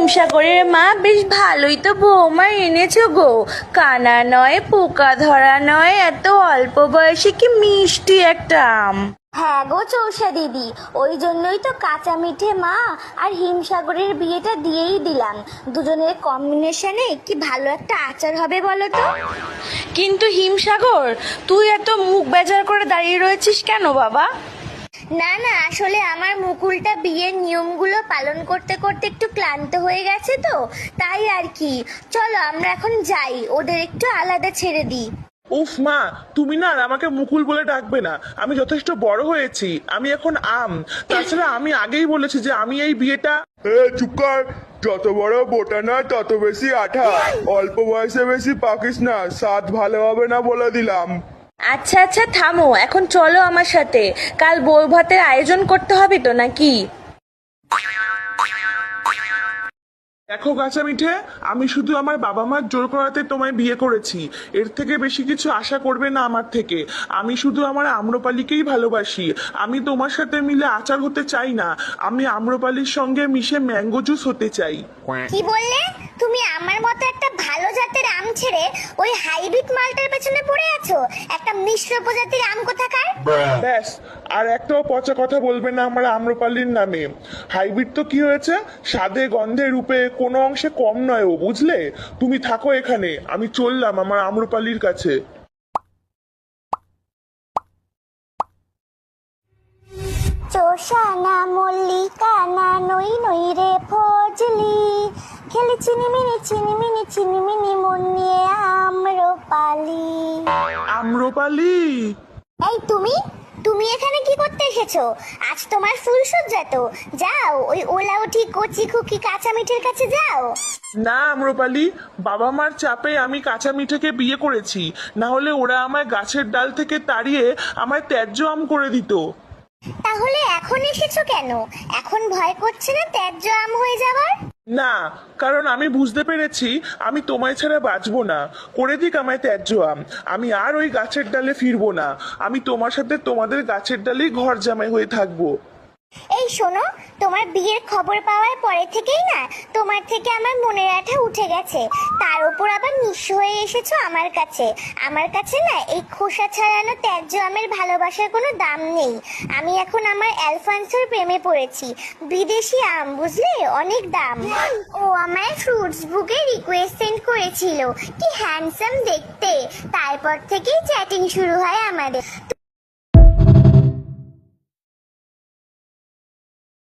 হিমসাগরের মা, বেশ ভালোই তো বৌমা এনেছো গো। কানা নয়, পোকা ধরা নয়, এত অল্প বয়সে কি মিষ্টি একটা আম। হ্যাঁ গো চৌষা দিদি, ওই জন্যই তো কাঁচা মিঠে মা আর হিমসাগরের বিয়েটা দিয়েই দিলাম। দুজনের কম্বিনেশনে কি ভালো একটা আচার হবে বলো তো। কিন্তু হিমসাগর, তুই এত মুখ বেজার করে দাঁড়িয়ে রয়েছিস কেন বাবা? না না, আসলে আমার মুকুলটা বিয়ের নিয়মগুলো পালন করতে করতে একটু ক্লান্ত হয়ে গেছে তো, তাই আর কি। চলো আমরা এখন যাই, ওদের একটু আলাদা ছেড়ে দিই। উফ মা, তুমি না আর আমাকে মুকুল বলে ডাকবে না। আমি যথেষ্ট বড় হয়েছি, আমি এখন আম। তাছাড়া আমি আগেই বলেছি যে আমি এই বিয়েটা। চুপ কর। যত বড় বোটা না তত বেশি আঠা। অল্প বয়সে বেশি পাকিস না, স্বাদ ভালো হবে না বলে দিলাম। আচ্ছা আচ্ছা থামো, এখন চলো আমার সাথে। কাল বউ ভাতের আয়োজন করতে হবে তো নাকি? দেখো কাঁচা মিঠে, আমি শুধু আমার বাবা মার জোর করাতে তোমায় বিয়ে করেছি। এর থেকে বেশি কিছু আশা করবে না আমার থেকে। আমি শুধু আমার আম্রপালিকেই ভালোবাসি। আমি তোমার সাথে মিলে আচার হতে চাই না, আমি আম্রপালির সঙ্গে মিশে ম্যাঙ্গো জুস হতে চাই। কি বললে তুমি? আমার মতো একটা ভালো জাতের আম ছেড়ে ওই হাইব্রিড মালটার পেছনে পড়ে আছো? একটা মিশ্র প্রজাতির আম কোথাকার। ব্যাস, আর একটাও পচা কথা বলবে না আমার আম্রপালির নামে। হাইব্রিড তো কি হয়েছে, স্বাদে গন্ধে রূপে কোনো অংশে কম নয় ও, বুঝলে? তুমি থাকো এখানে, আমি চললাম আমার আম্রপালির কাছে। চোষা না মল্লিকা না নই নই রে ফজলি, খেলে চিনিমিনি মন নিয়ে আম্রপালি। আম্রপালি, এই তুমি তুমি এখানে কি করতে এসেছো? আজ তোমার ফুলসজ্জা তো, যাও ওই ওলা উঠি কচি খুকি কাঁচা মিঠের কাছে যাও। না আম্রপালি, বাবা মার চাপে আমি কাঁচা মিঠেকে বিয়ে করেছি, না হলে ওরা আমায় গাছের ডাল থেকে তাড়িয়ে আমায় ত্যায্য আম করে দিত। তাহলে এখন এসেছো কেন? এখন ভয় করছে না ত্যায্য আম হয়ে যাবার? না, কারণ আমি বুঝতে পেরেছি আমি তোমায় ছাড়া বাঁচবো না। করে দিক আমায় ত্যায্য আম, আমি আর ওই গাছের ডালে ফিরবো না। আমি তোমার সাথে তোমাদের গাছের ডালেই ঘর জামাই হয়ে থাকবো। এই শোনো, তোমার বিয়ের খবর পাওয়ার পরে থেকেই না তোমার থেকে আমার মনের আঠা উঠে গেছে। তার উপর আবার নিঃস্ব হয়ে এসেছো আমার কাছে। আমার কাছে না এই খোসা ছাড়ানো ত্যায্য আমের ভালোবাসার কোনো দাম নেই। আমি এখন আমার অ্যালফান্সোর প্রেমে পড়েছি। বিদেশি আম, বুঝলে, অনেক দাম। ও আমায় ফ্রুটস বুকে রিকোয়েস্ট সেন্ড করেছিল, কি হ্যান্ডসাম দেখতে। তারপর থেকেই চ্যাটিং শুরু হয় আমাদের।